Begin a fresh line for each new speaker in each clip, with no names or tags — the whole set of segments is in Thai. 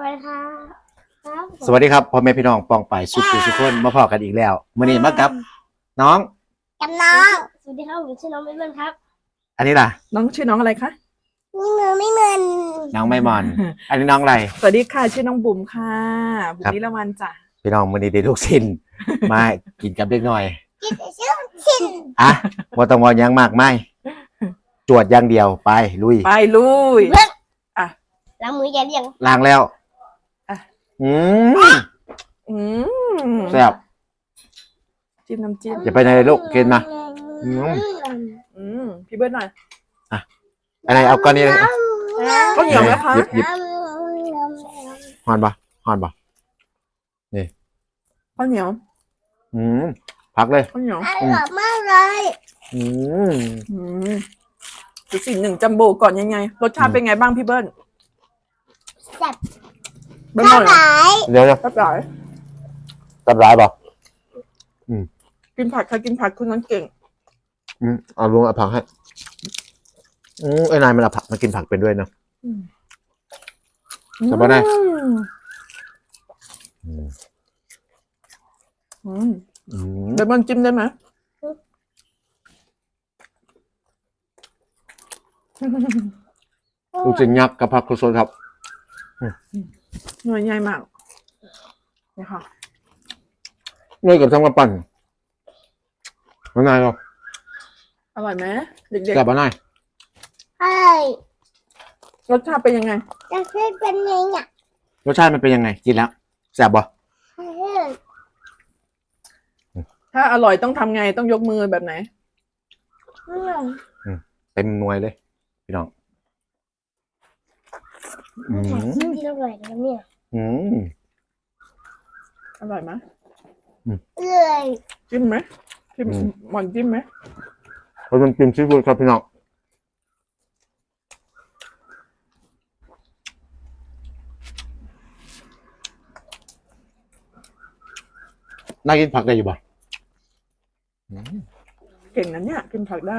วัสดีครับ
สวัสดีครับพ่อแม่พี่น้องปองไปสุขุสุขคนมาพอกันอีกแล้วมื้อนี้มากับน้อง
จำน้องสวัสดีครับผมชื่อน้องเบนครับ
อันนี้ล่ะ
น้องชื่อน้องอะไรคะ
ไม่เหมือน
น้องไม่มอน อันนี้น้องอะไร
สวัสดีค่ะชื่อน้องบุ๋มค่ะบุ๋ม
ครับ
นิรวันจ้ะ
พี่น้องมื้อนี้ได้ลูกชิ้น มากินกับเด็กน้อย
กินชื่อชิน
อ่ะบ่ต้องว่าหยังมากมายจวดอย่างเดียวไปลุย
ไปลุย
ล้างมือแย่เรียง
ล้างแล้ว
อ่ะ
อืม
อืม
แซ่บ
จิ้มน้ำจิ้ม
อย่าไปไหนเลยลูกกินมา
พี่เบิร์ดหน่อย
อันไหนเอาก้อนนี้เลย
ข้าวเหนียวไหมคะ
หยิบฮอนบ่ฮอนบ่
ข้าวเหนียว
พักเลย
ข้าวเหนียว
อร่อยมากเลย
อืม
อืมดูสิ่งหนึ่งจัมโบ้ก่อนยังไงรสชาติเป็นไงบ้างพี่เบิร์ด
แซ่บ
เบิร์ดหน่อย
หลาย
เดี๋ยว
รับหลาย
ตับร้ายบ่
กินผักใครกินผักคุณนั้นเก่ง
เอาลุงเอาผักให้ไอ้นายมันเอาผักมากินผักเป็นด้วยเนาะ แต่บ่ได้
เดี๋ยวมันจิ้มได้ไหม
ลูกชิ้นยักษ์กับผักโคโซนครับ
หน่วยใหญ่มากนี่ค่ะ
เนยกับทั้งมาปั่นมะนาวครับ
อร่อยไหมเด็ก
กับมะนาว
ใช่
ๆรสชาติเป็นยังไง
จะขึ้นเป็นไงเนี่ย
รสชาติมันเป็นยังไงกินแล้วแซ่บบ่
ถ้าอร่อยต้องทำไงต้องยกมือแบบไหน
เต็มหน่วยเลยพี่น้อง
ที่อร่อยนะเนี่ย
อร่อยไหม
เลย
จิ้มไหมจิ้มหมอนจิ้มไหม
เราต้องกินซีฟู้ดครับพี่น้องน่ากินผักได้อยู่บ่
เก่งนะเนี่ยกินผักได้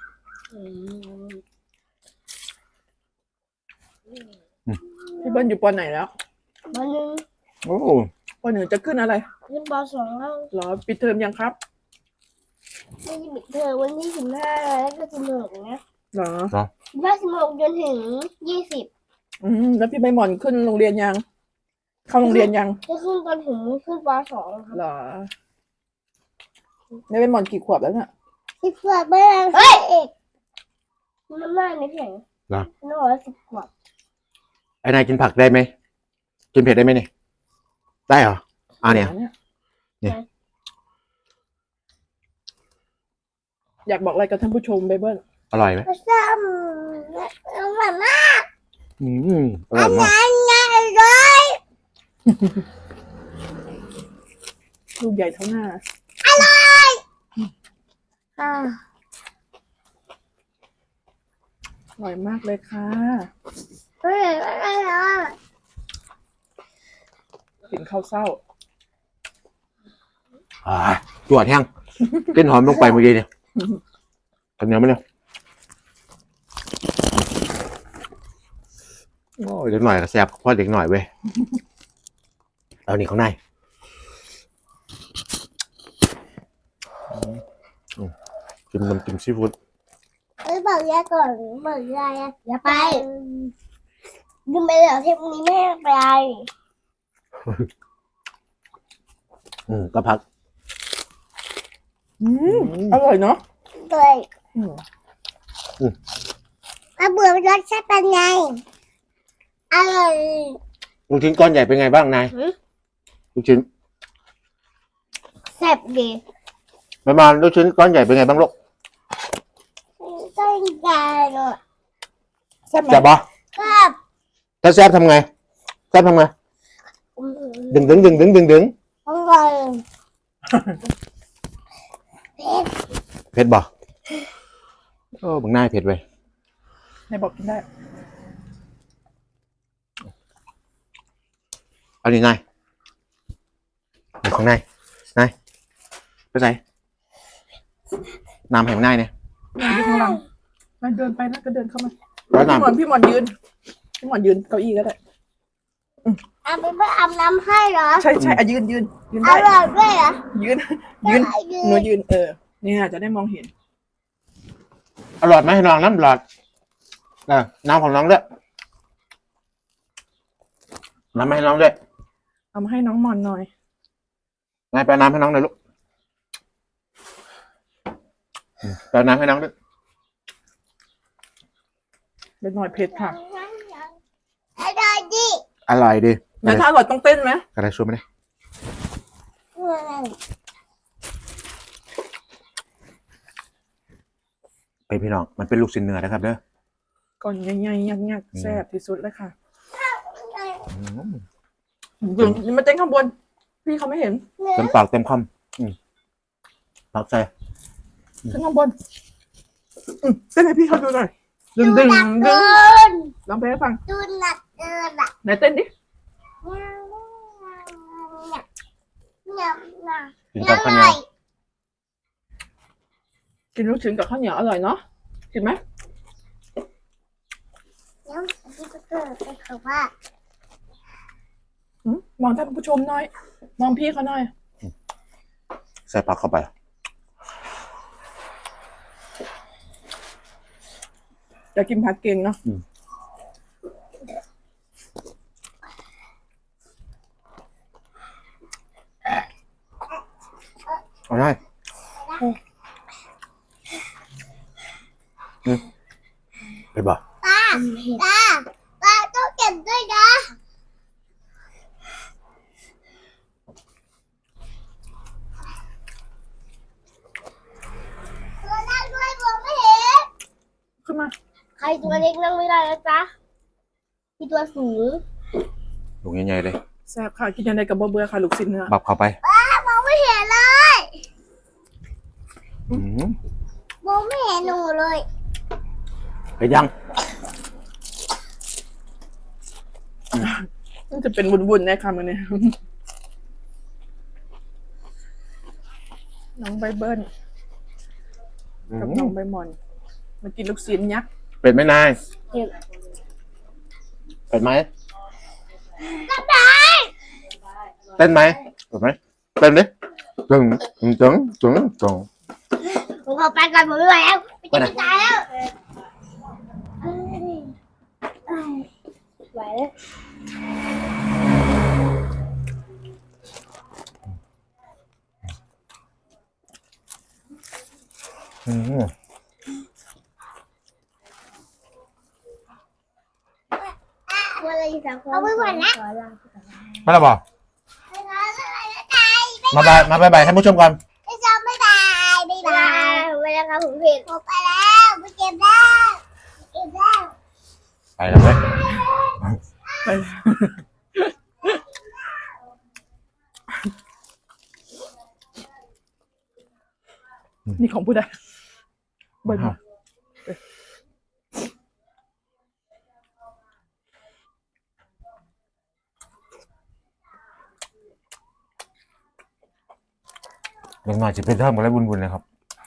พี่เบิ้ลอยู่ปอไหนแล้ว
วันนึง
โอ้
ปอหนึ่งจะขึ้นอะไร
ขึ้นป .2 แล้ว
เหรอปิดเทอมยังครับ
ไม่ได้ปิดเทอมวันที่15แล้วก็16นะ
เหรอ
16จนถึง20
แล้วพี่ใบหมอนขึ้นโรงเรียนยัง เข้าโรงเรียนยัง
จะขึ้นตอนถึงขึ้นป .2 ครับ
เหรอนี่ใบหมอนกี่ขวบแล้วเนี่ย
10 ขวบไม่ได้เฮ้ยมันมากนิดหน่อยน้องบอกว่า10 ขวบ
ไอ้นายกินผักได้ไหมกินเผ็ดได้ไหมเนี่ยได้เหรอเนี่ย เนี่ย
อยากบอกอะไรกับท่านผู้ชมใบเบิ้ล
อร่อยไหม
ซ้ำอร่อยมาก
อร่อยมาก
ง่ายเลย
ลูกใหญ่เท่าหน้า
อ่า
อร่อยมากเลยค่ะ
เฮ้ยอะไรอ่ะ
กินข้าวเศร้า
จวดแห้งกลิ่นหอมลงไปเมื่อกี้เนี่ยทำเนียวไหมเนี่ยโอ้ยเด็กหน่อยก็แซ่บเพราะเด็กหน่อยเว้ยเอานี่ข้างในกินน้ำจิ้มซีฟู้ด
เอ้ยบอกยายก่อนบอกยายอย่าไปดึงไปเลยเทปนี้ไม่ให้ไป
ก็พัก
อร่อยเนาะ
เลยมาเบื่อรสชาติเป็นไงอร่อย
ลูกชิ้นก้อนใหญ่เป็นไงบ้างนายลูกชิ้น
แซ่บดี
ประมาณลูกชิ้นก้อนใหญ่เป็นไงบ้างลูก
ต้นใหญ่เลย
แซ่บไหม
แซ่บปะ
ครับ
ถ้าแซ่บทำไงแซ่บทำไงดึง
อร่อยเผ็ด
เผ็ดบ่โอ้บางหน้าเผ็ดเว้ย
ไหนบอกกินได้
เอาดินายอยู่ข้างในนายไปใส่น้ำแห่งนายเนี่ย
อยู่ข้างหลังมาเดินไปนะก็เดินเข้ามา
ร้อน
พี่หมอน
น้ำ
พี่หมอนยืนเก้าอี้ก็ได้
อาไปไม่อาบน้ำให้เหรอ
ใช่ใช่ยืนยืน
อ
ได้
ร่อยด้วยเหรอ
ยืนหนูยืนเนี่ยจะได้มองเห็น
อร่อยไหมให้น้องน้ำหลอดน้ำของน้องด้วยน้ำให้น้องด้วย
เอามาให้น้องมอนหน่อย
นายไปน้ำให้น้องหน่อยลูกไปน้ำให้น้องด้วย
เป็นหน่อยเผ็ดค่ะ
อร่อยดิ
อร่อยดี
งั้นถ้าอร่อยต้องเต้นไหม
กระไรช่วยไหมเนี่ยเป็นพี่น้องมันเป็นลูกชิ้นเนื้อนะครับเด้อ
ก่อนใหญ่ๆยักๆแซ่บที่สุดเลยค่ะ
อืม
ยืนมาเต้นข้างบน พี่เขาไม่เห็น
เต็มปากเต็มคำปากใจ
ขึ้นข้างบนเต้นให้พี่เขาดูหน่อยดึง
ดู
ดึง
หนัก
ดึ
เกิ
ง
น
ลองเพลงให้ฟัง
ดูหนักเกินอ่ะ
ไหนเต้นดิ
เนี่ย
กิน
อ
กับข้าวเหนี
ร่
ย
อ
วย
กินลูกชิ้นกับข้าวเหนียวอร่อยเนาะกินไหม
แล้วที่ก็เกิดเป็นคำว่า
มองท่านผู้ชมหน่อย มองพี่เขาหน่อย
ใส่ผักเข้าไป
อยากกินผักเก่งเนาะ
เอาได้ไปบ่
ป้าต้องเก็บด้วยนะตัวนั่งด้วยมองไม่เห็น
ขึ้นมา
ใครตัวเล็กนั่งไม่ได้นะจ๊ะมีตัวสูง
ลูกใหญ่ๆเลย
แซ่บค่ะกินยังไงกับบ่เบื่อค่ะลูกชิ้นเนื้อ
บับเข้าไป
มองไม่เห็นเลย
อืม
มองไม่เห็นหนูเลย
ไปยัง
มันจะเป็นวุ่นๆแน่ค่ะมันเนี่ยน้องใบเบิ้ลกับน้องใบหมอนมากินลูกชิ้นยักษ์
เป็ดไหมนาย
เห็น
เป็ดไหม
ก็ได้
เต้นไหมเป็ดไหมเต้นดิตึงตึงตึงตึงตึง
ผมขอไปก่อนผมไม่ไหวแล้วไม่จะตายแล้วไหวแล้ว
อืม
เอาไปก่อนนะ
มาแล้วบอกมาบายท่านผู้ชมก่อน
ไม่ชอบไม่บายไม่บายไปแล้วครับผมผิดผมไปแล้วไปเก็บแล้วเก็บแล้ว
ไปแล้วเว้ย
ไปนี่ของผู้ใดใบหมอน
เด็กหน่อยจะเป็นเท่ากันแล้วบุญๆเลยครับ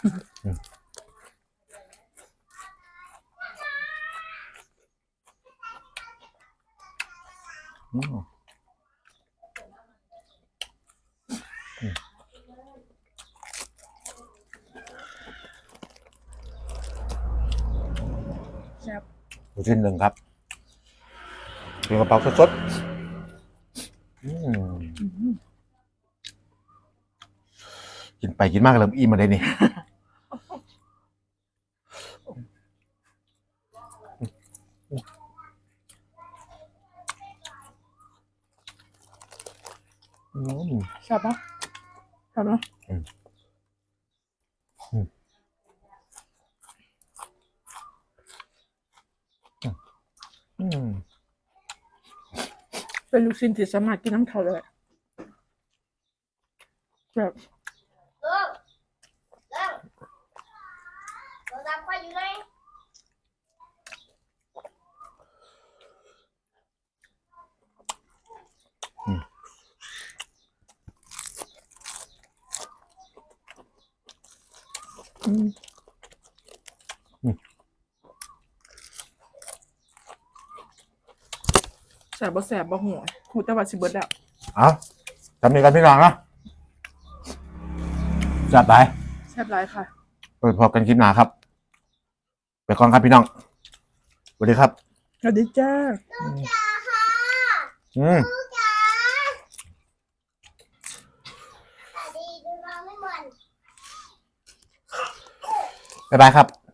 แซ่บ
ลูกชิ้นหนึ่งครับเป็นกระเป๋าสดๆกินไปกินมากเริ่มอิ่มมาได้นี่
แซ่บปะแซ่บเนาะเป็นลูกชิ้นที่สามารถกินน้ำเท่าเลยแบบ
เราทำไปอยู่เลย
อ
แสบบ่แสบบ่หัวหูแต่ว่าสิเบิดแล้ว
เอาจำนี้กันพี่น้องนะจัดไป
แซ่บหลายค่ะ
เปิดพบกันคลิปหน้าครับ ไปก่อนครับพี่น้องสวัสดีครับ
สวัสดีจ้า
อืม
ดีดูน้องไม่หมด
บ๊ายบายครับ